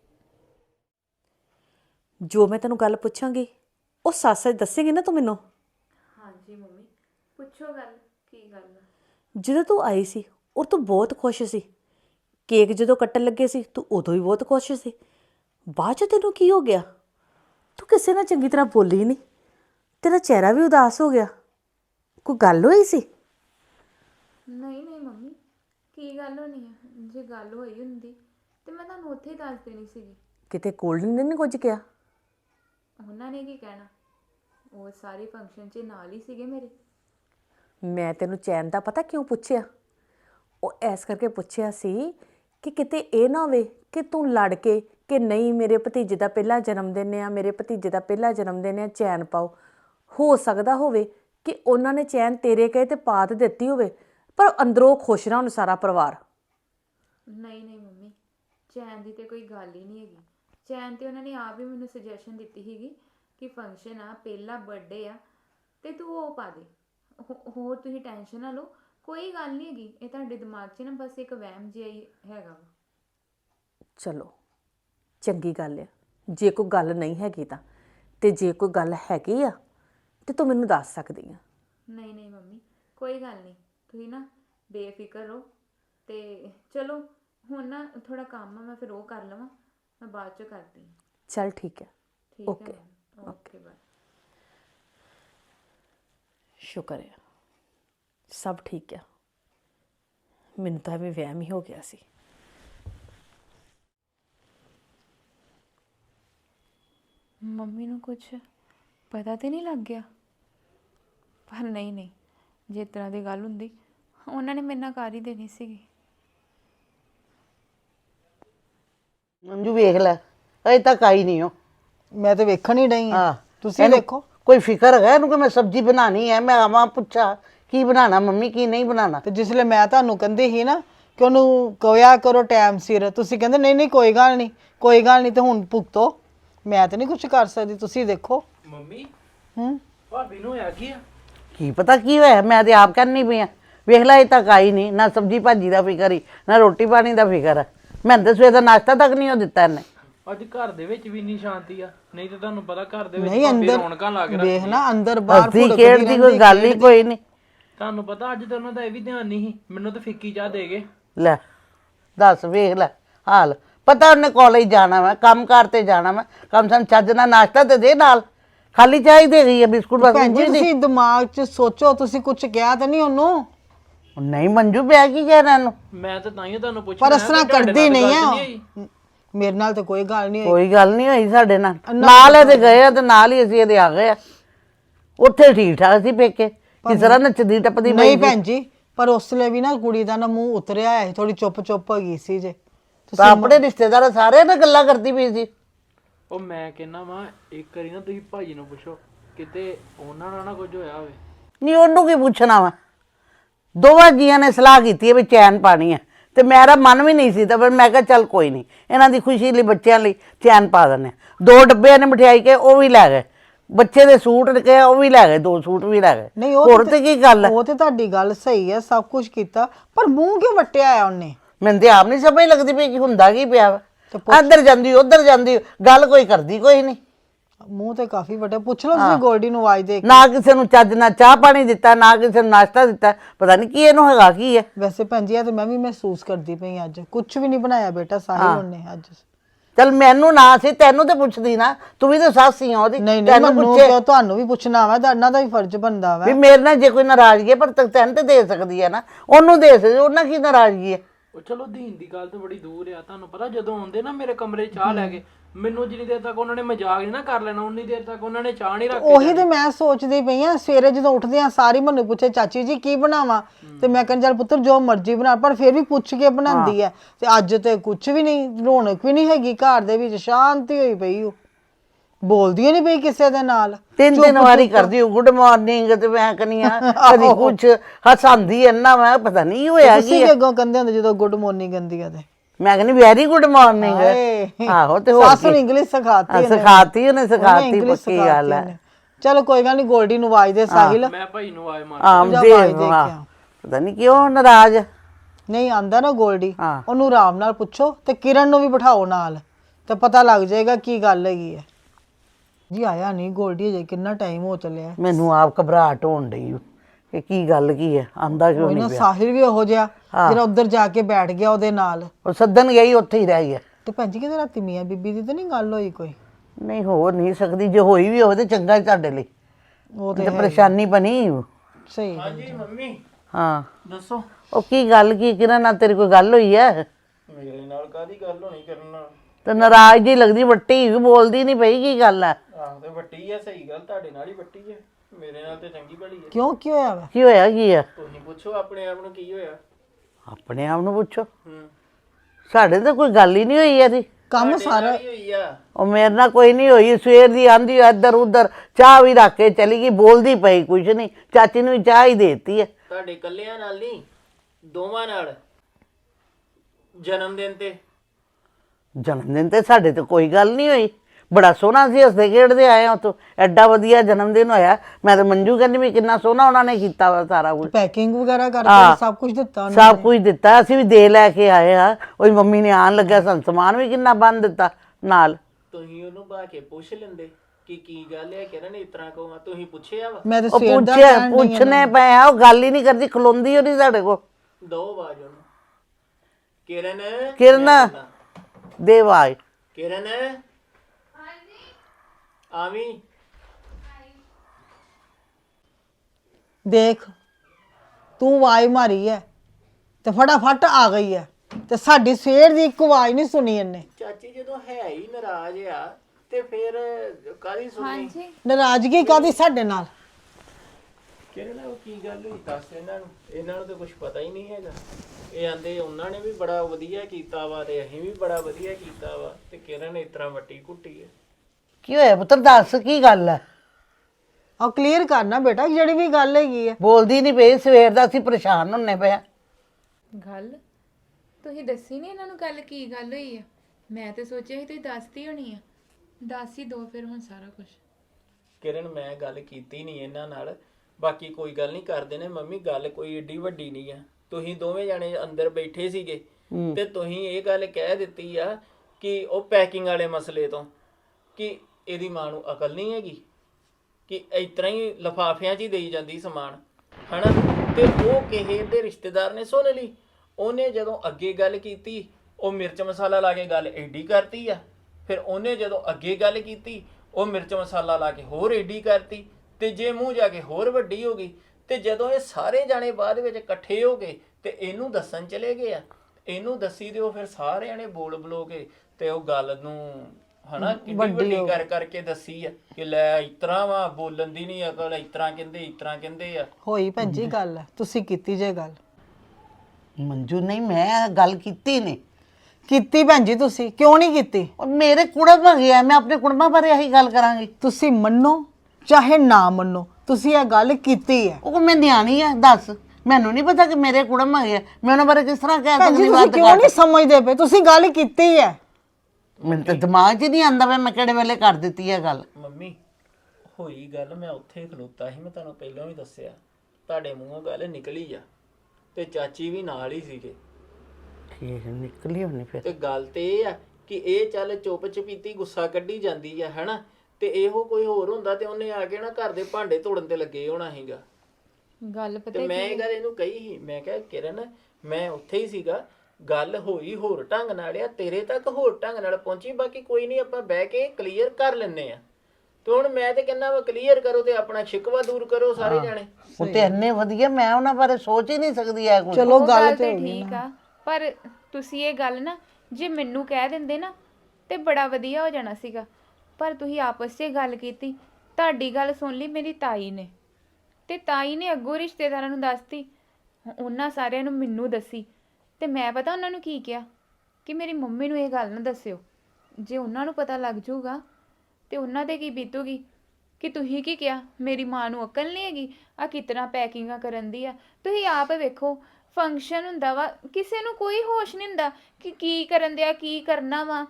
S5: ਜੋ ਮੈਂ ਤੈਨੂੰ ਗੱਲ ਪੁੱਛਾਂਗੀ ਉਹ ਸੱਚ-ਸੱਚ ਦੱਸੇਂਗੀ ਨਾ ਤੂੰ ਮੈਨੂੰ?
S4: ਹਾਂਜੀ ਮੰਮੀ, ਪੁੱਛੋ ਗੱਲ, ਕੀ ਗੱਲ ਆ?
S5: ਜਦੋਂ ਤੂੰ ਆਈ ਸੀ ਔਰ ਤੂੰ ਬਹੁਤ ਖੁਸ਼ ਸੀ, ਕੇਕ ਜਦੋਂ ਕੱਟਣ ਲੱਗੇ ਸੀ ਤੂੰ ਉਦੋਂ ਵੀ ਬਹੁਤ ਖੁਸ਼ ਸੀ। ਬਾਅਦ 'ਚ ਤੈਨੂੰ ਕੀ ਹੋ ਗਿਆ? ਤੂੰ ਕਿਸੇ ਨਾਲ ਚੰਗੀ ਤਰ੍ਹਾਂ ਬੋਲੀ ਨਹੀਂ, ਤੇਰਾ ਚਿਹਰਾ ਵੀ ਉਦਾਸ ਹੋ ਗਿਆ। ਕੋਈ ਗੱਲ ਹੋਈ ਸੀ?
S4: ਨਹੀਂ ਨਹੀਂ ਮੰਮੀ, ਕੀ ਗੱਲ ਹੋਣੀ ਆ? ਜੇ ਗੱਲ ਹੋਈ ਹੁੰਦੀ ਤੇ ਮੈਂ ਤੁਹਾਨੂੰ ਉੱਥੇ ਹੀ ਦੱਸ ਦੇਣੀ ਸੀਗੀ।
S5: ਕਿਤੇ ਕੋਲਡ ਨੇ ਨਹੀਂ ਕੁਝ ਕਿਹਾ?
S4: ਉਹਨਾਂ ਨੇ ਕੀ ਕਹਿਣਾ, ਉਹ ਸਾਰੇ ਫੰਕਸ਼ਨ 'ਚ ਨਾਲ ਹੀ ਸੀਗੇ ਮੇਰੇ।
S5: ਮੈਂ ਤੈਨੂੰ ਚੈਨ ਦਾ ਪਤਾ ਕਿਉਂ ਪੁੱਛਿਆ? ਉਹ ਐਸ ਕਰਕੇ ਪੁੱਛਿਆ ਸੀ ਕਿ ਕਿਤੇ ਇਹ ਨਾ ਹੋਵੇ ਕਿ ਤੂੰ ਲੜ ਕੇ ਕਿ ਨਹੀਂ ਮੇਰੇ ਭਤੀਜੇ ਦਾ ਪਹਿਲਾ ਜਨਮ ਦਿਨ ਆ, ਮੇਰੇ ਭਤੀਜੇ ਦਾ ਪਹਿਲਾ ਜਨਮ ਦਿਨ ਆ, ਚੈਨ ਪਾਓ। ਹੋ ਸਕਦਾ ਹੋਵੇ ਕਿ ਉਹਨਾਂ ਨੇ ਚੈਨ ਤੇਰੇ ਕਹੇ ਤੇ ਪਾ ਤੇ ਦਿੱਤੀ ਹੋਵੇ, ਪਰ ਅੰਦਰੋਂ ਖੁਸ਼ ਨਾ ਹੋਣ ਸਾਰਾ ਪਰਿਵਾਰ।
S4: ਨਹੀਂ ਨਹੀਂ ਮੰਮੀ, ਚੈਨ ਦੀ ਤੇ ਕੋਈ ਗੱਲ ਹੀ ਨਹੀਂ ਹੈਗੀ। ਚੈਨ ਤੇ ਉਹਨਾਂ ਨੇ ਆਪ ਹੀ ਮੈਨੂੰ ਸੁਜੈਸ਼ਨ ਦਿੱਤੀ ਸੀਗੀ ਕਿ ਫੰਕਸ਼ਨ ਆ, ਪਹਿਲਾ ਬਰਥਡੇ ਆ, ਤੇ ਤੂੰ ਉਹ ਪਾ ਦੇ। ਹੋਰ ਤੁਸੀਂ ਟੈਨਸ਼ਨ ਨਾ ਲਓ, ਕੋਈ ਗੱਲ ਨਹੀਂ ਹੈਗੀ। ਇਹ ਤੁਹਾਡੇ ਦਿਮਾਗ 'ਚ ਨਾ ਬਸ ਇੱਕ ਵਹਿਮ ਜਿਹਾ ਹੀ ਹੈਗਾ ਵਾ।
S5: ਚਲੋ ਚੰਗੀ ਗੱਲ ਹੈ ਜੇ ਕੋਈ ਗੱਲ ਨਹੀਂ ਹੈਗੀ ਤਾਂ, ਤੇ ਜੇ ਕੋਈ ਗੱਲ ਹੈਗੀ ਆ ਤੇ ਤੂੰ ਮੈਨੂੰ ਦੱਸ ਸਕਦੀ ਆ।
S4: ਨਹੀਂ ਨਹੀਂ ਮੰਮੀ, ਕੋਈ ਗੱਲ ਨਹੀਂ, ਤੁਸੀਂ ਨਾ ਬੇਫਿਕਰ ਰਹੋ। ਤੇ ਚਲੋ ਹੁਣ ਨਾ ਥੋੜਾ ਕੰਮ ਆ, ਮੈਂ ਫਿਰ ਉਹ ਕਰ ਲਵਾਂ, ਮੈਂ ਬਾਅਦ 'ਚ ਕਰਦੀ ਹਾਂ।
S5: ਚੱਲ ਠੀਕ ਹੈ।
S4: ਠੀਕ
S5: ਓਕੇ
S4: ਹੈ, ਓਕੇ ਬਾਏ।
S5: ਸ਼ੁਕਰ ਹੈ ਸਭ ਠੀਕ ਆ, ਮੈਨੂੰ ਤਾਂ ਐਵੇਂ ਵਹਿਮ ਹੀ ਹੋ ਗਿਆ ਸੀ।
S4: ਮੰਮੀ ਨੂੰ ਕੁਝ ਪਤਾ ਤੇ ਨਹੀਂ ਲੱਗ ਗਿਆ? ਪਰ ਨਹੀਂ ਨਹੀਂ, ਜੇ ਇਸ ਤਰ੍ਹਾਂ ਦੀ ਗੱਲ ਹੁੰਦੀ ਉਹਨਾਂ ਨੇ ਮੇਰੇ ਨਾਲ ਕਰ ਹੀ ਦੇਣੀ ਸੀਗੀ।
S2: ਮੰਜੂ ਵੇਖ ਲੈ, ਅਜੇ ਤੱਕ ਆਈ ਨਹੀਂ ਹੋ।
S1: ਮੈਂ ਤੇ ਵੇਖਣ ਹੀ ਡਈ ਆ,
S2: ਹਾਂ
S1: ਤੁਸੀਂ
S2: ਇਹਨੂੰ
S1: ਦੇਖੋ।
S2: ਕੋਈ ਫਿਕਰ ਹੈਗਾ ਇਹਨੂੰ ਕਿ ਮੈਂ ਸਬਜ਼ੀ ਬਣਾਣੀ ਹੈ? ਮੈਂ ਆਵਾਂ ਪੁੱਛਾਂ ਕੀ ਬਣਾਣਾ ਮੰਮੀ, ਕੀ ਨਹੀਂ ਬਣਾਣਾ?
S1: ਤੇ ਜਿਸਲੇ ਮੈਂ ਤੁਹਾਨੂੰ ਕਹਿੰਦੀ ਸੀ ਨਾ ਕਿ ਉਹਨੂੰ ਕੋਇਆ ਕਰੋ ਟਾਈਮ ਸਿਰ, ਤੁਸੀਂ ਕਹਿੰਦੇ ਨਹੀਂ ਨਹੀਂ ਕੋਈ ਗੱਲ ਨਹੀਂ, ਕੋਈ ਗੱਲ ਨਹੀਂ। ਤੇ ਹੁਣ ਭੁਗਤੋ, ਮੈਂ ਤੇ ਨਹੀਂ ਕੁਝ ਕਰ ਸਕਦੀ, ਤੁਸੀਂ ਦੇਖੋ।
S3: ਮੰਮੀ
S1: ਹੂੰ,
S3: ਭਾਬੀ ਨੂੰ ਹੋਇਆ ਕੀ ਆ?
S2: ਕੀ ਪਤਾ ਕੀ ਹੋਇਆ, ਮੈਂ ਤੇ ਆਪ ਕਹਿੰਦੀ ਪਈ ਆ। ਵੇਖ ਲੈ ਅਜੇ ਤੱਕ ਆਈ ਨਹੀਂ, ਨਾ ਸਬਜ਼ੀ ਭਾਜੀ ਦਾ ਫਿਕਰ ਹੀ, ਨਾ ਰੋਟੀ ਪਾਣੀ ਦਾ ਫਿਕਰ ਹੈ। ਮੈਂ ਤਾਂ ਸਵੇਰ ਦਾ ਨਾਸ਼ਤਾ ਤੱਕ ਨਹੀਂ ਉਹ ਦਿੱਤਾ ਇਹਨੇ।
S3: ਅੱਜ ਘਰ ਦੇ ਵਿੱਚ ਵੀ ਨਹੀਂ ਸ਼ਾਂਤੀ ਆ, ਨਹੀਂ ਤੇ ਤੁਹਾਨੂੰ ਪਤਾ ਘਰ ਦੇ ਵਿੱਚ
S1: ਨਹੀਂ
S3: ਭਾਬੀ
S1: ਅੰਦਰ
S3: ਰੌਣਕਾਂ ਲਾ ਕੇ
S1: ਵੇਖ
S3: ਰੱਖਦੀ
S1: ਨਾ, ਅੰਦਰ ਬਾਹਰ
S2: ਹੱਸਦੀ
S1: ਭੁੜਕਦੀ
S2: ਖੇਡਦੀ ਕੋਈ
S1: ਰਹਿੰਦੀ,
S2: ਗੱਲ ਹੀ
S1: ਖੇਡਦੀ।
S2: ਕੋਈ ਨਹੀਂ।
S3: ਤੁਹਾਨੂੰ ਪਤਾ ਅੱਜ ਤਾਂ ਉਹਨਾਂ ਦਾ ਇਹ ਵੀ ਧਿਆਨ ਨਹੀਂ ਸੀ, ਮੈਨੂੰ ਤਾਂ ਫਿੱਕੀ ਚਾਹ ਦੇ ਗਏ।
S2: ਲੈ ਦੱਸ, ਵੇਖ ਲੈ ਹਾਲ। ਪਤਾ ਉਹਨੇ ਕਾਲਜ ਜਾਣਾ ਵਾ, ਕੰਮ ਕਾਰ ਤੇ ਜਾਣਾ ਵਾ, ਕਮ ਸੇ ਕਮ ਚੱਜ ਨਾਲ ਨਾਸ਼ਤਾ ਤੇ ਦੇ, ਨਾਲ ਖਾਲੀ ਚਾਹ ਹੀ ਦੇ ਗਈ ਹੈ, ਬਿਸਕੁਟ ਬਸ।
S1: ਭੈਣ ਜੀ ਤੁਸੀਂ ਦਿਮਾਗ 'ਚ ਸੋਚੋ, ਤੁਸੀਂ ਕੁਝ ਕਿਹਾ ਤਾਂ ਨਹੀਂ ਉਹਨੂੰ?
S2: ਨਹੀਂ ਮੰਜੂ, ਪਿਆ ਕੀ ਕਹਿਣਾ ਇਹਨੂੰ?
S3: ਮੈਂ ਤਾਂ ਤਾਈਓ ਤੁਹਾਨੂੰ ਪੁੱਛਿਆ
S1: ਪਰ ਇਸ ਤਰ੍ਹਾਂ ਕਰਦੀ ਨਹੀਂ ਆ, ਮੇਰੇ ਨਾਲ ਤਾਂ ਕੋਈ ਗੱਲ ਨਹੀਂ ਹੋਈ।
S2: ਕੋਈ ਗੱਲ ਨਹੀਂ ਹੋਈ ਸਾਡੇ ਨਾਲ, ਨਾਲ ਇਹਦੇ ਗਏ ਆ ਤੇ ਨਾਲ ਹੀ ਅਸੀਂ ਇਹਦੇ ਆ ਗਏ ਆ। ਉੱਥੇ ਠੀਕ ਠਾਕ ਸੀ ਪੇਕੇ, ਕਿਸ ਤਰ੍ਹਾਂ ਨੱਚਦੀ ਟੱਪਦੀ ਪਈ
S1: ਨਹੀਂ
S2: ਸੀ।
S1: ਭੈਣ ਜੀ, ਪਰ ਉਸ ਵੇਲੇ ਵੀ ਨਾ ਕੁੜੀ ਦਾ ਨਾ ਮੂੰਹ ਉਤਰਿਆ ਹੈ, ਥੋੜੀ ਚੁੱਪ ਹੋ ਗਈ ਸੀ ਜੇ।
S2: ਤਾਂ ਆਪਣੇ ਰਿਸ਼ਤੇਦਾਰ ਸਾਰੇ ਨਾਲ ਗੱਲਾਂ ਕਰਦੀ ਪਈ ਸੀ।
S3: ਉਹ ਮੈਂ ਕਹਿੰਦਾ ਵਾ ਇੱਕ ਵਾਰੀ ਨਾ ਤੁਸੀਂ ਭਾਜੀ ਨੂੰ ਪੁੱਛੋ ਕਿਤੇ ਉਹਨਾਂ ਨਾਲ ਨਾ ਕੁਝ ਹੋਇਆ ਹੋਵੇ।
S2: ਨਹੀਂ ਉਹਨੂੰ ਕੀ ਪੁੱਛਣਾ ਵਾ, ਦੋਵਾਂ ਜੀਆਂ ਨੇ ਸਲਾਹ ਕੀਤੀ ਹੈ ਵੀ ਚੈਨ ਪਾਣੀ ਹੈ, ਤੇ ਮੇਰਾ ਮਨ ਵੀ ਨਹੀਂ ਸੀ, ਤਾਂ ਫਿਰ ਮੈਂ ਕਿਹਾ ਚੱਲ ਕੋਈ ਨਹੀਂ, ਇਹਨਾਂ ਦੀ ਖੁਸ਼ੀ ਲਈ ਬੱਚਿਆਂ ਲਈ ਚੈਨ ਪਾ ਦਿੰਦੇ ਹਾਂ। 2 ਡੱਬੇ ਨੇ ਮਠਿਆਈ ਕੇ ਉਹ ਵੀ ਲੈ ਗਏ, ਬੱਚੇ ਦੇ ਸੂਟ ਕੇ ਉਹ ਵੀ ਲੈ ਗਏ, 2 ਸੂਟ ਵੀ ਲੈ ਗਏ।
S1: ਨਹੀਂ
S2: ਹੋਰ ਤੇ ਕੀ ਗੱਲ ਹੈ।
S1: ਉਹ ਤੇ ਤੁਹਾਡੀ ਗੱਲ ਸਹੀ ਹੈ, ਸਭ ਕੁਝ ਕੀਤਾ, ਪਰ ਮੂੰਹ ਕਿਉਂ ਵੱਟਿਆ ਆ ਉਹਨੇ?
S2: ਮੈਨੂੰ ਤੇ ਆਪ ਨਹੀਂ ਸਮਝ ਲੱਗਦੀ ਪਈ ਕਿ ਹੁੰਦਾ ਕੀ ਪਿਆ ਵਾ। ਇੱਧਰ ਜਾਂਦੀ ਉੱਧਰ ਜਾਂਦੀ, ਗੱਲ ਕੋਈ ਕਰਦੀ ਕੋਈ ਨਹੀਂ।
S1: ਮੂੰਹ ਤੇ ਕਾਫੀ ਵੱਟਿਆ। ਪੁੱਛ ਲਓ ਤੁਸੀਂ ਗੋਲਡੀ ਨੂੰ ਆਵਾਜ਼ ਦੇ ਕੇ।
S2: ਨਾ ਕਿਸੇ ਨੂੰ ਚੱਜ ਨਾਲ ਚਾਹ ਪਾਣੀ ਦਿੱਤਾ, ਨਾ ਕਿਸੇ ਨੂੰ ਨਾਸ਼ਤਾ ਦਿੱਤਾ, ਪਤਾ ਨਹੀਂ ਕੀ ਇਹਨੂੰ ਹੈਗਾ ਕੀ ਹੈ।
S1: ਵੈਸੇ ਭੈਣ ਜੀ, ਇਹ ਤੇ ਮੈਂ ਵੀ ਮਹਿਸੂਸ ਕਰਦੀ ਪਈ ਅੱਜ, ਕੁਝ ਵੀ ਨਹੀਂ ਬਣਾਇਆ ਬੇਟਾ ਸਾਹਿਲ ਉਹਨੇ ਅੱਜ।
S2: ਚੱਲ ਮੈਨੂੰ ਨਾ ਸੀ, ਤੈਨੂੰ ਤੇ ਪੁੱਛਦੀ ਨਾ, ਤੂੰ ਵੀ ਤਾਂ ਸੱਸ ਹੀ ਆ ਉਹਦੀ।
S1: ਨਹੀਂ
S2: ਤੈਨੂੰ
S1: ਮੈਨੂੰ
S2: ਪੁੱਛੇ
S1: ਕਿਉਂ, ਤੁਹਾਨੂੰ ਵੀ ਪੁੱਛਣਾ ਵਾ, ਤੁਹਾਡਾ ਦਾ ਵੀ ਫਰਜ਼ ਬਣਦਾ ਵਾ।
S2: ਵੀ ਮੇਰੇ ਨਾਲ ਜੇ ਕੋਈ ਨਾਰਾਜ਼ਗੀ ਹੈ, ਪਰ ਤੈਨੂੰ ਤੇ ਦੇ ਸਕਦੀ ਹੈ ਨਾ, ਉਹਨੂੰ ਦੇ ਸਕਦੀ, ਉਹਨਾਂ ਕੀ ਨਾਰਾਜ਼ਗੀ ਹੈ।
S3: ਉਹ ਚਲੋ ਦੀਨ ਦੀ ਗੱਲ ਤਾਂ ਬੜੀ ਦੂਰ ਆ। ਤੁਹਾਨੂੰ ਪਤਾ ਜਦੋਂ ਆਉਂਦੇ ਨਾ ਮੇਰੇ ਕਮਰੇ 'ਚ ਚਾਹ ਲੈ ਕੇ, ਮੈਨੂੰ ਜਿੰਨੀ ਦੇਰ ਤੱਕ ਉਹਨਾਂ ਨੇ ਮਜ਼ਾਕ ਨਹੀਂ ਨਾ ਕਰ ਲੈਣਾ, ਉਨੀ ਦੇਰ ਤੱਕ ਉਹਨਾਂ ਨੇ ਚਾਹ ਨਹੀਂ ਰੱਖ ਕੇ
S1: ਉਹੀ ਤੇ ਮੈਂ ਸੋਚਦੀ ਪਈ ਆ, ਸਵੇਰੇ ਜਦੋਂ ਉੱਠਦੇ ਆ ਸਾਰੀ ਮੈਨੂੰ ਪੁੱਛੇ ਚਾਚੀ ਜੀ ਕੀ ਬਣਾਵਾਂ, ਤੇ ਮੈਂ ਕਹਿੰਦਾ ਚੱਲ ਪੁੱਤਰ ਜੋ ਮਰਜ਼ੀ ਬਣਾ, ਪਰ ਫਿਰ ਵੀ ਪੁੱਛ ਕੇ ਬਣਾਉਂਦੀ ਹੈ। ਤੇ ਅੱਜ ਤੇ ਕੁਝ ਵੀ ਨਹੀਂ, ਰੌਣਕ ਵੀ ਨਹੀਂ ਹੈਗੀ ਘਰ ਦੇ ਵਿੱਚ, ਸ਼ਾਂਤੀ ਹੋਈ ਪਈ ਉਹ, ਬੋਲਦੀ ਨਹੀਂ ਪਈ ਕਿਸੇ ਦੇ ਨਾਲ।
S2: 3 ਵਾਰੀ ਕਰਦੀ ਗੁੱਡ ਮਾਰਨਿੰਗ, ਤੇ ਮੈਂ ਕਹਿੰਦੀ ਆ ਕਦੀ ਕੁਛ ਹਸਾਂਦੀ ਇੰਨਾ, ਮੈਂ ਪਤਾ ਨਹੀਂ ਹੋਇਆ
S1: ਤੁਸੀਂ
S2: ਕੀ
S1: ਵੀ ਅੱਗੋਂ ਕਹਿੰਦੇ ਹੁੰਦੇ ਜਦੋਂ ਗੁੱਡ ਮਾਰਨਿੰਗ ਕਹਿੰਦੀ ਆ ਤੇ
S2: ਮੈਂ ਕਹਿੰਦੀ ਵੈਰੀ ਗੁੱਡ ਮਾਰਨਿੰਗ। ਆਹੋ ਤੇ ਹੋਰ
S1: ਸੱਸ ਨੂੰ ਇੰਗਲਿਸ਼ ਸਿਖਾਤੀ
S2: ਸਿਖਾਤੀ ਉਹਨੇ, ਸਿਖਾਤੀ ਪੱਕੀ ਗੱਲ ਹੈ।
S1: ਚਲੋ ਕੋਈ ਗੱਲ ਨਹੀਂ, ਗੋਲਡੀ ਨੂੰ ਆਵਾਜ਼ ਦੇ ਸਾਹਿਲ।
S3: ਮੈਂ ਭਾਈ ਨੂੰ ਆਏ ਮਾਰ
S2: ਆਮ
S1: ਜਾ
S2: ਦੇ
S1: ਆਵਾਜ਼ ਦੇ ਕੇ
S2: ਹਾਂ,
S1: ਆ।
S2: ਪਤਾ ਨਹੀਂ ਕਿਉਂ ਨਾਰਾਜ਼।
S1: ਨਹੀਂ ਆਂਦਾ ਨਾ ਗੋਲਡੀ,
S2: ਹਾਂ।
S1: ਉਹਨੂੰ ਆਰਾਮ ਨਾਲ ਪੁੱਛੋ, ਤੇ ਕਿਰਨ ਨੂੰ ਵੀ ਬਿਠਾਓ ਨਾਲ, ਤੇ ਪਤਾ ਲੱਗ ਜਾਏਗਾ ਕੀ ਗੱਲ ਹੈਗੀ ਹੈ। ਜੀ ਆਇਆ ਨਹੀਂ ਗੋਲਡੀ, ਅਜੇ ਕਿੰਨਾ ਟਾਈਮ ਹੋ ਚੱਲਿਆ।
S2: ਮੈਨੂੰ ਆਪ ਘਬਰਾਹਟ ਹੋਣ ਡਈ ਕਿ ਕੀ ਗੱਲ ਕੀ ਹੈ, ਆਂਦਾ ਕਿਉਂ
S1: ਕੋਈ ਨਾ,
S2: ਨਹੀਂ ਪਿਆ।
S1: ਸਾਹਿਲ ਵੀ ਉਹੋ ਜਿਹਾ ਜਿਹੜਾ ਉੱਧਰ ਜਾ ਕੇ ਬੈਠ ਗਿਆ ਉਹਦੇ ਨਾਲ।
S2: ਉਹ ਸੱਦਣ ਗਈ, ਉੱਥੇ ਹੀ ਰਹਿ ਗਿਆ।
S1: ਤੇ ਭੈਣ ਜੀ ਕਿਤੇ ਰਾਤੀ ਮੀਆਂ ਬੀਬੀ ਦੀ ਤਾਂ ਨਹੀਂ ਗੱਲ ਹੋਈ ਕੋਈ?
S2: ਨਹੀਂ ਹੋ ਨਹੀਂ ਸਕਦੀ, ਜੇ ਹੋਈ ਵੀ ਹੋਵੇ ਤੇ ਚੰਗਾ ਹੀ ਤੁਹਾਡੇ ਲਈ,
S1: ਉਹ
S2: ਤੇ ਪਰੇਸ਼ਾਨੀ ਬਣੀ।
S1: ਸਹੀ ਹੈ।
S3: ਹਾਂਜੀ ਮੰਮੀ
S2: ਹਾਂ
S3: ਦੱਸੋ।
S2: ਉਹ ਕੀ ਗੱਲ ਕੀ ਕਿਰਨ ਨਾਲ ਤੇਰੀ ਕੋਈ ਗੱਲ ਹੋਈ ਹੈ?
S3: ਮੇਰੇ ਨਾਲ ਕਾਦੀ ਗੱਲ ਹੋਣੀ ਕਰਨ?
S2: ਤੇ ਨਾਰਾਜ਼ ਜੀ ਲੱਗਦੀ, ਵੱਟੀ ਬੋਲਦੀ ਨਹੀਂ ਪਈ, ਕੀ ਗੱਲ ਹੈ?
S3: ਆਹ ਤੇ ਵੱਟੀ ਆ, ਸਹੀ ਗੱਲ ਤੁਹਾਡੇ ਨਾਲ ਹੀ ਵੱਟੀ ਹੈ, ਮੇਰੇ ਨਾਲ ਤੇ ਚੰਗੀ ਭਲੀ ਹੈ।
S1: ਕਿਉਂ ਕੀ ਹੋਇਆ ਵਾ?
S2: ਕੀ ਹੋਇਆ ਕੀ ਹੈ?
S3: ਤੁਸੀਂ ਪੁੱਛੋ ਆਪਣੇ ਆਪ ਨੂੰ ਕੀ ਹੋਇਆ।
S2: ਆਪਣੇ ਆਪ ਨੂੰ ਪੁੱਛੋ,
S3: ਹੂੰ
S2: ਸਾਡੇ ਤਾਂ ਕੋਈ ਗੱਲ ਹੀ ਨਹੀਂ ਹੋਈ ਇਹਦੀ।
S1: ਕੰਮ ਸਾਰਾ
S3: ਹੋਈ ਆ।
S2: ਉਹ ਮੇਰੇ ਨਾਲ ਕੋਈ ਨਹੀਂ ਹੋਈ, ਸਵੇਰ ਦੀ ਆਂਦੀ ਇੱਧਰ ਉੱਧਰ, ਚਾਹ ਵੀ ਰੱਖ ਕੇ ਚਲੀ ਗਈ, ਬੋਲਦੀ ਪਈ ਕੁਛ ਨਹੀਂ, ਚਾਚੀ ਨੂੰ ਵੀ ਚਾਹ ਹੀ ਦੇਤੀ ਹੈ।
S3: ਤੁਹਾਡੇ ਇਕੱਲਿਆਂ ਨਾਲ ਨਹੀਂ, ਦੋਵਾਂ ਨਾਲ। ਜਨਮ ਦਿਨ ਤੇ
S2: ਜਨਮ ਦਿਨ ਤੇ ਸਾਡੇ ਤੇ ਕੋਈ ਗੱਲ ਨਹੀਂ ਹੋਈ, ਬੜਾ ਸੋਹਣਾ ਸੀ, ਹੱਸਦੇ ਖੇਡਦੇ ਆਏ ਹਾਂ, ਤੋਂ ਐਡਾ ਵਧੀਆ ਜਨਮ ਦਿਨ ਹੋਇਆ। ਮੈਂ ਤਾਂ ਮੰਜੂ ਕਹਿੰਦੀ ਵੀ ਕਿੰਨਾ ਸੋਹਣਾ ਉਹਨਾਂ ਨੇ ਕੀਤਾ ਵਾ, ਸਾਰਾ ਕੁਝ
S1: ਪੈਕਿੰਗ ਵਗੈਰਾ ਕਰਕੇ ਸਭ ਕੁਝ ਦਿੱਤਾ ਉਹਨੇ।
S2: ਸਭ ਕੁਝ ਦਿੱਤਾ, ਅਸੀਂ ਵੀ ਦੇ ਲੈ ਕੇ ਆਏ ਆ। ਉਹਦੀ ਮੰਮੀ ਨੇ ਆਣ ਲੱਗਾ ਸਾਨੂੰ ਸਮਾਨ ਵੀ ਕਿੰਨਾ ਬੰਨ ਦਿੱਤਾ ਨਾਲ।
S3: ਤੁਸੀਂ ਉਹਨੂੰ ਬਾ ਕੇ ਪੁੱਛ ਲੈਂਦੇ ਕਿ ਕੀ ਗੱਲ ਹੈ ਕਿਰਨ ਇਸ ਤਰ੍ਹਾਂ ਕੋ ਤੁਸੀਂ ਪੁੱਛਿਆ ਵਾ?
S1: ਮੈਂ ਤਾਂ
S2: ਉਹ
S1: ਸਵੇਰ ਦਾ
S2: ਪੁੱਛਿਆ, ਪੁੱਛਨੇ ਪਏ ਆ, ਉਹ ਗੱਲ ਹੀ ਨਹੀਂ ਕਰਦੀ, ਖਲੋਂਦੀ ਉਹਦੀ ਸਾਡੇ ਕੋਲ।
S3: ਦੋ ਆਵਾਜ਼ ਉਹਨੂੰ, ਕਿਰਨ
S2: ਕਿਰਨ ਦੇ ਆਵਾਜ਼।
S3: ਕਿਰਨ ਆਵੀਂ।
S1: ਦੇਖ ਤੂੰ ਆਵਾਜ਼ ਮਾਰੀ ਹੈ ਤੇ ਫਟਾਫਟ ਆ ਗਈ ਹੈ, ਤੇ ਸਾਡੀ ਸਵੇਰ ਦੀ ਇੱਕ ਆਵਾਜ਼ ਨਹੀਂ ਸੁਣੀ ਇਹਨੇ।
S3: ਚਾਚੀ ਜਦੋਂ ਹੈ ਹੀ ਨਾਰਾਜ਼ ਆ ਤੇ ਫਿਰ ਕਾਹਦੀ ਸੁਣੀ?
S4: ਹਾਂਜੀ
S1: ਨਾਰਾਜ਼ਗੀ ਕਾਦੀ ਸਾਡੇ ਨਾਲ?
S3: ਕਿਰਨ ਉਹ ਕੀ ਗੱਲ ਹੋਈ ਦੱਸ ਇਹਨਾਂ ਨੂੰ, ਇਹਨਾਂ ਨੂੰ ਤਾਂ ਕੁਝ ਪਤਾ ਹੀ ਨਹੀਂ ਹੈਗਾ। ਇਹ ਆਂਦੇ ਉਹਨਾਂ ਨੇ ਵੀ ਬੜਾ ਵਧੀਆ ਕੀਤਾ ਵਾ ਤੇ ਅਸੀਂ ਵੀ ਬੜਾ ਵਧੀਆ ਕੀਤਾ ਵਾ, ਤੇ ਕਿਰਨ ਇਸ ਤਰ੍ਹਾਂ ਵੱਟੀ ਘੁੱਟੀ ਹੈ।
S2: ਕੀ ਹੋਇਆ ਪੁੱਤਰ, ਦੱਸ ਕੀ ਗੱਲ ਹੈ?
S1: ਆ ਕਲੀਅਰ ਕਰਨਾ ਬੇਟਾ, ਜਿਹੜੀ ਵੀ ਗੱਲ ਹੈਗੀ ਹੈ।
S2: ਬੋਲਦੀ ਨਹੀਂ ਪਈ, ਸਵੇਰ ਦਾ ਅਸੀਂ ਪਰੇਸ਼ਾਨ ਹੁੰਨੇ ਪਏ ਆ।
S4: ਗੱਲ ਤੁਸੀਂ ਦੱਸੀ ਨਹੀਂ ਇਹਨਾਂ ਨੂੰ ਗੱਲ ਕੀ ਗੱਲ ਹੋਈ ਆ? ਮੈਂ ਤੇ ਸੋਚਿਆ ਸੀ ਤੁਸੀਂ ਦੱਸਦੀ ਹੋਣੀ ਆ। ਦੱਸ ਹੀ ਦੋ ਫਿਰ ਹੁਣ ਸਾਰਾ ਕੁਝ।
S3: ਕਿਰਨ ਮੈਂ ਗੱਲ ਕੀਤੀ ਨਹੀਂ ਇਹਨਾਂ ਨਾਲ, ਬਾਕੀ ਕੋਈ ਗੱਲ ਨਹੀਂ ਕਰਦੇ ਨੇ ਮੰਮੀ, ਗੱਲ ਕੋਈ ਏਡੀ ਵੱਡੀ ਨਹੀਂ ਆ। ਤੁਸੀਂ ਦੋਵੇਂ ਜਾਣੇ ਅੰਦਰ ਬੈਠੇ ਸੀਗੇ ਤੇ ਤੁਸੀਂ ਇਹ ਗੱਲ ਕਹਿ ਦਿੱਤੀ ਆ ਕਿ ਉਹ ਪੈਕਿੰਗ ਵਾਲੇ ਮਸਲੇ ਤੋਂ, ਕਿ ਇਹਦੀ ਮਾਂ ਨੂੰ ਅਕਲ ਨਹੀਂ ਹੈਗੀ ਕਿ ਇਸ ਤਰ੍ਹਾਂ ਹੀ ਲਿਫਾਫਿਆਂ 'ਚ ਹੀ ਦੇਈ ਜਾਂਦੀ ਸਮਾਨ, ਹਨਾ। ਤੇ ਉਹ ਕਿਸੇ ਦੇ ਰਿਸ਼ਤੇਦਾਰ ਨੇ ਸੁਣ ਲਈ, ਉਹਨੇ ਜਦੋਂ ਅੱਗੇ ਗੱਲ ਕੀਤੀ ਉਹ ਮਿਰਚ ਮਸਾਲਾ ਲਾ ਕੇ ਗੱਲ ਐਡੀ ਕਰਤੀ ਆ। ਫਿਰ ਉਹਨੇ ਜਦੋਂ ਅੱਗੇ ਗੱਲ ਕੀਤੀ ਉਹ ਮਿਰਚ ਮਸਾਲਾ ਲਾ ਕੇ ਹੋਰ ਐਡੀ ਕਰਤੀ, ਤੇ ਜੇ ਮੂੰਹ ਜਾ ਕੇ ਹੋਰ ਵੱਡੀ ਹੋ ਗਈ। ਤੇ ਜਦੋਂ ਇਹ ਸਾਰੇ ਜਾਣੇ ਬਾਅਦ ਵਿੱਚ ਇਕੱਠੇ ਹੋ ਗਏ ਤੇ ਇਹਨੂੰ ਦੱਸਣ ਚਲੇ ਗਏ ਆ, ਇਹਨੂੰ ਦੱਸੀ ਤੇ ਉਹ ਫਿਰ ਸਾਰਿਆਂ ਨੇ ਬੋਲ ਬਲੋ ਕੇ ਤੇ ਉਹ ਗੱਲ ਨੂੰ ਹਨਾ ਕਿੰਨੀ ਵੱਡੀ ਕਰ ਕਰਕੇ ਦੱਸੀ ਆ ਕਿ ਲੈ ਇਤਰਾ ਵਾ ਬੋਲਣ ਦੀ ਨਹੀਂ ਅਕਲ, ਇਤਰਾ ਕਹਿੰਦੇ ਆ।
S1: ਹੋਈ ਭੈਣ ਜੀ ਗੱਲ, ਤੁਸੀਂ ਕੀਤੀ ਜੇ ਗੱਲ?
S2: ਮੰਜੂ ਨਹੀਂ, ਮੈਂ ਗੱਲ ਕੀਤੀ ਨਹੀਂ।
S1: ਕੀਤੀ ਭੈਣ ਜੀ, ਤੁਸੀਂ ਕਿਉਂ ਨਹੀਂ ਕੀਤੀ?
S2: ਔਰ ਮੇਰੇ ਕੁੜਮ ਹੈਗੇ ਆ, ਮੈਂ ਆਪਣੇ ਕੁੜਮਾਂ ਬਾਰੇ ਇਹੀ ਗੱਲ ਕਰਾਂਗੀ।
S1: ਤੁਸੀਂ ਮੰਨੋ ਚਾਹੇ ਨਾ ਮੰਨੋ, ਤੁਸੀਂ ਇਹ ਗੱਲ ਕੀਤੀ ਹੈ।
S2: ਉਹ ਮੈਂ ਨਿਆਣੀ ਆ, ਦੱਸ ਮੈਨੂੰ ਨਹੀਂ ਪਤਾ ਕਿ ਮੇਰੇ ਕੁੜਮ ਹੈਗੇ ਆ, ਮੈਂ ਉਹਨਾਂ ਬਾਰੇ ਕਿਸ ਤਰ੍ਹਾਂ ਕਹਿ
S1: ਭੈਣ ਜੀ
S2: ਸਕਦੀ
S1: ਤੁਸੀਂ ਕਿਉਂ ਨਹੀਂ ਸਮਝਦੇ ਪਏ? ਤੁਸੀਂ ਗੱਲ ਕੀਤੀ ਹੈ।
S2: ਮੈਨੂੰ ਤਾਂ ਦਿਮਾਗ 'ਚ ਹੀ ਨਹੀਂ ਆਉਂਦਾ ਮੈਂ ਕਿਹੜੇ ਵੇਲੇ ਕਰ ਦਿੱਤੀ ਹੈ ਗੱਲ।
S3: ਮੰਮੀ ਹੋਈ ਗੱਲ, ਮੈਂ ਉੱਥੇ ਖਲੋਤਾ ਸੀ, ਮੈਂ ਤੁਹਾਨੂੰ ਪਹਿਲਾਂ ਵੀ ਦੱਸਿਆ, ਤੁਹਾਡੇ ਮੂੰਹੋਂ ਗੱਲ ਨਿਕਲੀ ਆ ਤੇ ਚਾਚੀ ਵੀ ਨਾਲ ਹੀ ਸੀਗੇ।
S2: ਠੀਕ ਨਿਕਲੀ ਹੋਣੀ ਫਿਰ।
S3: ਤੇ ਗੱਲ ਤੇ ਇਹ ਆ ਕਿ ਇਹ ਚੱਲ ਚੁੱਪ ਚਪੀਤੀ ਗੁੱਸਾ ਕੱਢੀ ਜਾਂਦੀ ਆ ਹਨਾ, ਤੇ ਇਹੋ ਕੋਈ ਹੋਰ ਹੁੰਦਾ ਤੇ ਉਹਨੇ ਆ ਕੇ ਨਾ ਘਰ ਦੇ ਭਾਂਡੇ ਤੋੜਨ ਤੇ ਲੱਗੇ ਹੋਣਾ ਸੀਗਾ।
S4: ਗੱਲ ਪਤਾ
S3: ਤੇ ਮੈਂ ਇਹ ਗੱਲ ਇਹਨੂੰ ਕਹੀ ਸੀ, ਮੈਂ ਕਿਹਾ ਕਿਰਨ ਮੈਂ ਉੱਥੇ ਹੀ ਸੀਗਾ, ਗੱਲ ਹੋਈ ਹੋਰ ਢੰਗ ਨਾਲ ਆ, ਤੇਰੇ ਤੱਕ ਹੋਰ ਢੰਗ ਨਾਲ ਪਹੁੰਚੀ, ਬਾਕੀ ਕੋਈ ਨਹੀਂ ਆਪਾਂ ਬਹਿ ਕੇ ਕਲੀਅਰ ਕਰ ਲੈਨੇ ਆ। ਤੇ ਹੁਣ ਮੈਂ ਤੇ ਕਹਿੰਦਾ ਵਾ ਕਲੀਅਰ ਕਰੋ ਤੇ ਆਪਣਾ ਸ਼ਿਕਵਾ ਦੂਰ ਕਰੋ ਸਾਰੇ ਜਾਣੇ।
S2: ਉਹ ਤੇ ਇੰਨੇ ਵਧੀਆ, ਮੈਂ ਉਹਨਾਂ ਬਾਰੇ ਸੋਚ ਹੀ ਨਹੀਂ ਸਕਦੀ ਐ ਕੁਝ।
S1: ਚਲੋ
S4: ਉਹ
S1: ਗੱਲ
S4: ਤੇ ਠੀਕ ਆ, ਪਰ ਤੁਸੀਂ ਇਹ ਗੱਲ ਨਾ ਜੇ ਮੈਨੂੰ ਕਹਿ ਦਿੰਦੇ ਨਾ ਤੇ ਬੜਾ ਵਧੀਆ ਹੋ ਜਾਣਾ ਸੀਗਾ, ਪਰ ਤੁਸੀਂ ਆਪਸ 'ਚ ਗੱਲ ਕੀਤੀ। ਤੁਹਾਡੀ ਗੱਲ ਸੁਣ ਲਈ ਮੇਰੀ ਤਾਈ ਨੇ, ਤੇ ਤਾਈ ਨੇ ਅੱਗੋਂ ਰਿਸ਼ਤੇਦਾਰਾਂ ਨੂੰ ਦੱਸਤੀ, ਉਹਨਾਂ ਸਾਰਿਆਂ ਨੂੰ ਮੈਨੂੰ ਦੱਸੀ। ਤੇ ਮੈਂ ਪਤਾ ਉਹਨਾਂ ਨੂੰ ਕੀ ਕਿਹਾ ਕਿ ਮੇਰੀ ਮੰਮੀ ਨੂੰ ਇਹ ਗੱਲ ਨਾ ਦੱਸਿਓ, ਜੇ ਉਹਨਾਂ ਨੂੰ ਪਤਾ ਲੱਗ ਜਾਊਗਾ ਤੇ ਉਹਨਾਂ ਤੇ ਕੀ ਬੀਤੂਗੀ ਕਿ ਤੁਸੀਂ ਕੀ ਕਿਹਾ, ਮੇਰੀ ਮਾਂ ਨੂੰ ਅਕਲ ਨਹੀਂ ਹੈਗੀ, ਆ ਕਿਤਨਾ ਪੈਕਿੰਗਾਂ ਕਰਨ ਦੀ ਆ। ਤੁਸੀਂ ਆਪ ਵੇਖੋ, ਫੰਕਸ਼ਨ ਹੁੰਦਾ ਵਾ, ਕਿਸੇ ਨੂੰ ਕੋਈ ਹੋਸ਼ ਨਹੀਂ ਹੁੰਦਾ ਕਿ ਕੀ ਕਰਨ ਦਿਆ, ਕੀ ਕਰਨਾ ਵਾ।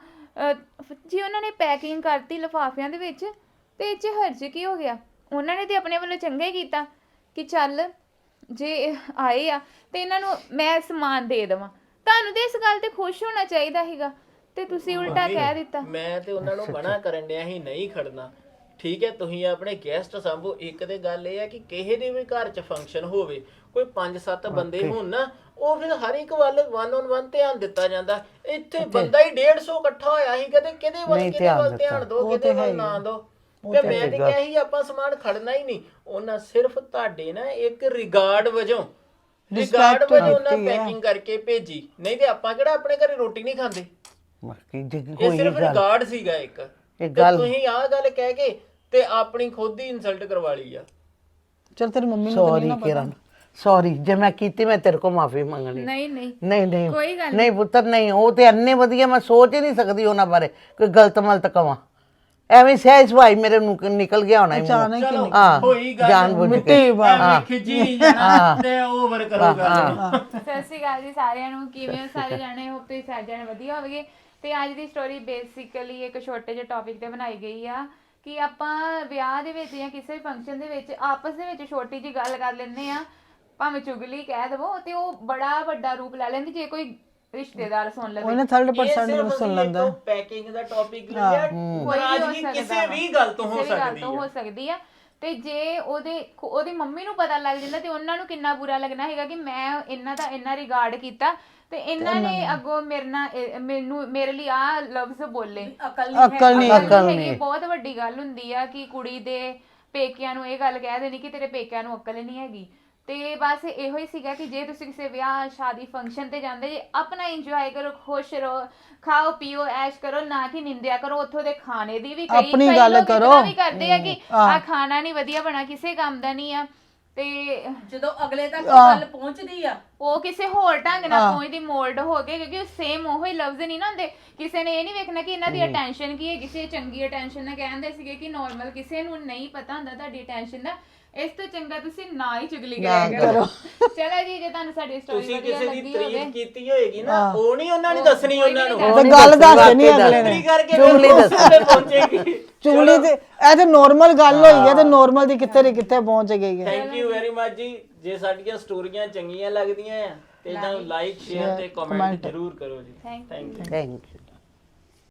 S4: ਜੇ ਉਹਨਾਂ ਨੇ ਪੈਕਿੰਗ ਕਰਤੀ ਲਿਫਾਫਿਆਂ ਦੇ ਵਿੱਚ ਤੇ ਇਹ 'ਚ ਹਰਜ ਕੀ ਹੋ ਗਿਆ? ਉਹਨਾਂ ਨੇ ਤੇ ਆਪਣੇ ਵੱਲੋਂ ਚੰਗਾ ਹੀ ਕੀਤਾ ਕਿ ਚੱਲ ਜੇ ਇਹ ਆਏ ਆ ਤੇ ਇਹਨਾਂ ਨੂੰ ਮੈਂ ਸਮਾਨ ਦੇ ਦੇਵਾਂ। ਤੁਹਾਨੂੰ ਤੇ ਇਸ ਗੱਲ ਤੇ ਖੁਸ਼ ਹੋਣਾ ਚਾਹੀਦਾ ਸੀਗਾ, ਤੇ ਤੁਸੀਂ ਉਲਟਾ ਕਹਿ ਦਿੱਤਾ।
S3: ਮੈਂ ਤੇ ਉਹਨਾਂ ਨੂੰ ਮਨਾ ਕਰਨ ਡਿਆ ਸੀ ਨਹੀਂ ਖੜਨਾ। ਠੀਕ ਹੈ, ਤੁਸੀਂ ਆਪਣੇ ਗੈਸਟ ਸੰਭੋ। ਇੱਕ ਤੇ ਗੱਲ ਇਹ ਆ ਕਿ ਕਿਸੇ ਦੇ ਵੀ ਘਰ 'ਚ ਫੰਕਸ਼ਨ ਹੋਵੇ, ਕੋਈ 5-7 ਬੰਦੇ ਹੋਣ ਨਾ, ਉਹ ਫਿਰ ਹਰ ਇੱਕ ਵੱਲ 1 on 1 ਧਿਆਨ ਦਿੱਤਾ ਜਾਂਦਾ। ਇੱਥੇ ਬੰਦਾ ਹੀ 150 ਇਕੱਠਾ ਹੋਇਆ ਸੀ, ਕਦੇ ਕਿਹਦੇ ਵੱਲ ਧਿਆਨ ਦੋ, ਕਿਹਦੇ ਵੱਲ ਨਾ ਦੋ। ਤੇ ਮੈਂ ਤੇ ਕਿਹਾ ਸੀ ਆਪਾਂ ਸਮਾਨ ਖੜਨਾ ਹੀ ਨਹੀਂ। ਉਹਨਾਂ ਸਿਰਫ ਤੁਹਾਡੇ ਨਾ ਇੱਕ ਰਿਗਾਰਡ ਵਜੋਂ ਉਹਨਾਂ ਪੈਕਿੰਗ ਕਰਕੇ ਭੇਜੀ, ਨਹੀਂ ਤੇ ਆਪਾਂ ਕਿਹੜਾ ਆਪਣੇ ਘਰੇ ਰੋਟੀ ਨਹੀਂ ਖਾਂਦੇ। ਇਹ ਸਿਰਫ ਰਿਗਾਰਡ ਸੀਗਾ ਇੱਕ। ਤੁਸੀਂ ਆਹ ਗੱਲ ਕਹਿ ਕੇ ਤੇ ਆਪਣੀ ਖੁਦ ਹੀ ਇਨਸਲਟ ਕਰਵਾ ਲਈ ਆ।
S1: ਚਲ ਤੇਰੀ ਮੰਮੀ ਨੂੰ
S2: ਸੌਰੀ ਕਿਰਨ, ਸੌਰੀ ਜੇ ਮੈਂ ਕੀਤੀ, ਮੈਂ ਤੇਰੇ ਕੋਲ ਮਾਫੀ ਮੰਗਣੀ।
S4: ਨਹੀਂ ਨਹੀਂ
S2: ਨਹੀਂ ਨਹੀਂ
S4: ਕੋਈ ਗੱਲ
S2: ਨਹੀਂ ਪੁੱਤਰ, ਨਹੀਂ। ਉਹ ਤੇ ਇੰਨੇ ਵਧੀਆ, ਮੈਂ ਸੋਚ ਹੀ ਨਹੀਂ ਸਕਦੀ ਉਹਨਾਂ ਬਾਰੇ ਕੋਈ ਗਲਤ ਮਲਤ ਕਵਾਂ। ਐਵੇਂ ਸਹਿਜ ਭਾਈ ਮੇਰੇ ਨੂੰ ਨਿਕਲ ਗਿਆ ਹੋਣਾ।
S3: ਚਲੋ ਹੋਈ ਗੱਲ,
S2: ਜਾਨ ਬੁੱਝ ਕੇ
S3: ਖਿੱਚੀ ਨਹੀਂ ਜਾਣਾ ਤੇ ਓਵਰ ਕਰੂਗਾ।
S4: ਸਤਿ ਸ਼੍ਰੀ ਅਕਾਲ ਜੀ ਸਾਰਿਆਂ ਨੂੰ, ਕਿਵੇਂ ਹੋ ਸਾਰੇ ਜਾਣੇ? ਹੋਪ ਤੁਸੀਂ ਸਾਰੇ ਜਾਣੇ ਵਧੀਆ ਹੋਵਗੇ। ਤੇ ਅੱਜ ਦੀ ਸਟੋਰੀ ਬੇਸਿਕਲੀ ਇੱਕ ਛੋਟੇ ਜਿਹੇ ਟੌਪਿਕ ਤੇ ਬਣਾਈ ਗਈ ਆ ਕਿ ਆਪਾਂ ਵਿਆਹ ਦੇ ਵਿੱਚ ਜਾਂ ਕਿਸੇ ਵੀ ਫੰਕਸ਼ਨ ਦੇ ਵਿੱਚ ਆਪਸ ਦੇ ਵਿੱਚ ਛੋਟੀ ਜਿਹੀ ਗੱਲ ਕਰ ਲੈਂਦੇ ਆ, ਭਾਵੇਂ ਚੁਗਲੀ ਕਹਿ ਦਵੋ, ਤੇ ਉਹ ਬੜਾ ਵੱਡਾ ਰੂਪ ਲੈ ਲੈਂਦੀ ਜੇ ਕੋਈ ਰਿਸ਼ਤੇਦਾਰ ਸੁਣ ਲਵੇ।
S1: ਉਹਨੇ 3% ਨੂੰ ਸੁਣ ਲੈਂਦਾ।
S3: ਪੈਕਿੰਗ ਦਾ ਟੌਪਿਕ ਲਿਆ, ਨਾਰਾਜ਼ਗੀ ਕਿਸੇ ਵੀ ਗੱਲ ਤੋਂ ਹੋ ਸਕਦੀ
S4: ਆ। ਤੇ ਜੇ ਉਹਦੀ ਮੰਮੀ ਨੂੰ ਪਤਾ ਲੱਗ ਜਾਂਦਾ ਤੇ ਉਹਨਾਂ ਨੂੰ ਕਿੰਨਾ ਬੁਰਾ ਲੱਗਣਾ ਹੈਗਾ ਕਿ ਮੈਂ ਇਹਨਾਂ ਦਾ ਇੰਨਾ ਰਿਗਾਰਡ ਕੀਤਾ ਤੇ ਇਹਨਾਂ ਨੇ ਅੱਗੋਂ ਮੇਰੇ ਲਈ ਆ ਲਫ਼ਜ਼ ਬੋਲੇ।
S1: ਅਕਲ ਨਹੀਂ।
S4: ਬਹੁਤ ਵੱਡੀ ਗੱਲ ਹੁੰਦੀ ਆ ਕਿ ਕੁੜੀ ਦੇ ਪੇਕਿਆਂ ਨੂੰ ਇਹ ਗੱਲ ਕਹਿ ਦੇਣੀ ਕਿ ਤੇਰੇ ਪੇਕਿਆਂ ਨੂੰ ਅਕਲ ਨਹੀਂ ਹੈਗੀ। ਤੇ ਬਸ ਇਹੋ ਹੀ ਸੀਗਾ ਕਿ ਜੇ ਤੁਸੀਂ ਕਿਸੇ ਵਿਆਹ ਸ਼ਾਦੀ ਫੰਕਸ਼ਨ ਤੇ ਜਾਂਦੇ ਜੇ, ਆਪਣਾ ਇੰਜੋਏ ਕਰੋ, ਖੁਸ਼ ਰਹੋ, ਖਾਓ ਪੀਓ, ਐਸ਼ ਕਰੋ, ਨਾ ਕਿ ਨਿੰਦਿਆ ਕਰੋ ਉੱਥੋਂ ਦੇ ਖਾਣੇ ਦੀ ਵੀ।
S1: ਆਪਣੀ ਗੱਲ ਕਰੋ।
S4: ਵੀ ਕਰਦੇ ਆ ਕਿ ਆ ਖਾਣਾ ਨਹੀਂ ਵਧੀਆ ਬਣਾ, ਕਿਸੇ ਕੰਮ ਦਾ ਨਹੀਂ ਆ। ਤੇ
S5: ਜਦੋਂ ਅਗਲੇ ਤੱਕ ਗੱਲ ਪਹੁੰਚਦੀ ਆ,
S4: ਉਹ ਕਿਸੇ ਹੋਰ ਢੰਗ ਨਾਲ ਪਹੁੰਚਦੀ, ਮੋਲਡ ਹੋ ਕੇ, ਕਿਉਂਕਿ ਉਹ ਸੇਮ ਉਹੀ ਲਫ਼ਜ਼ ਨਹੀਂ ਨਾ ਹੁੰਦੇ। ਕਿਸੇ ਨੇ ਇਹ ਨਹੀਂ ਵੇਖਣਾ ਕਿ ਇਹਨਾਂ ਦੀ ਅਟੈਂਸ਼ਨ ਕੀ ਹੈ, ਕਿਸੇ ਚੰਗੀ ਅਟੈਂਸ਼ਨ ਨਾਲ ਕਹਿੰਦੇ ਸੀਗੇ ਕਿ ਨੋਰਮਲ, ਕਿਸੇ ਨੂੰ ਨਹੀਂ ਪਤਾ ਹੁੰਦਾ ਤੁਹਾਡੀ ਅਟੈਂਸ਼ਨ ਦਾ। ਇਸ ਤੋਂ ਚੰਗਾ ਤੁਸੀਂ ਨਾ ਹੀ ਚੁਗਲੀ ਕਰਿਆ ਕਰੋ। ਚਲੋ ਜੀ, ਜੇ ਤੁਹਾਨੂੰ ਸਾਡੀ ਸਟੋਰੀ
S3: ਤੁਸੀਂ
S4: ਵਧੀਆ
S3: ਕਿਸੇ ਦੀ
S4: ਲੱਗੀ ਹੋਵੇ,
S3: ਤਾਰੀਫ ਕੀਤੀ ਹੋਏਗੀ ਨਾ, ਉਹ ਨਹੀਂ ਉਹਨਾਂ ਨੇ ਦੱਸਣੀ, ਉਹਨਾਂ ਨੂੰ
S1: ਤੇ ਗੱਲ ਦੱਸ ਦੇਣੀ ਅਗਲੇ ਨੇ।
S3: ਚੁਗਲੀ ਦੱਸਣੇ ਪਹੁੰਚੇਗੀ।
S1: ਚੁਗਲੀ ਤੇ ਇਹ ਤੇ ਨੋਰਮਲ ਗੱਲ ਹੋਈ ਹੈ, ਤੇ ਨੋਰਮਲ ਦੀ ਕਿੱਥੇ ਪਹੁੰਚ ਗਈ ਹੈ।
S3: ਥੈਂਕ ਯੂ ਵੈਰੀ ਮਚ ਜੀ। ਜੇ ਸਾਡੀਆਂ ਸਟੋਰੀਆਂ ਚੰਗੀਆਂ ਲੱਗਦੀਆਂ ਆ ਤੇ ਇਹਨਾਂ ਨੂੰ ਲਾਈਕ, ਸ਼ੇਅਰ ਤੇ ਕਮੈਂਟ ਜ਼ਰੂਰ ਕਰੋ ਜੀ।
S4: Thank you.
S2: Thank you.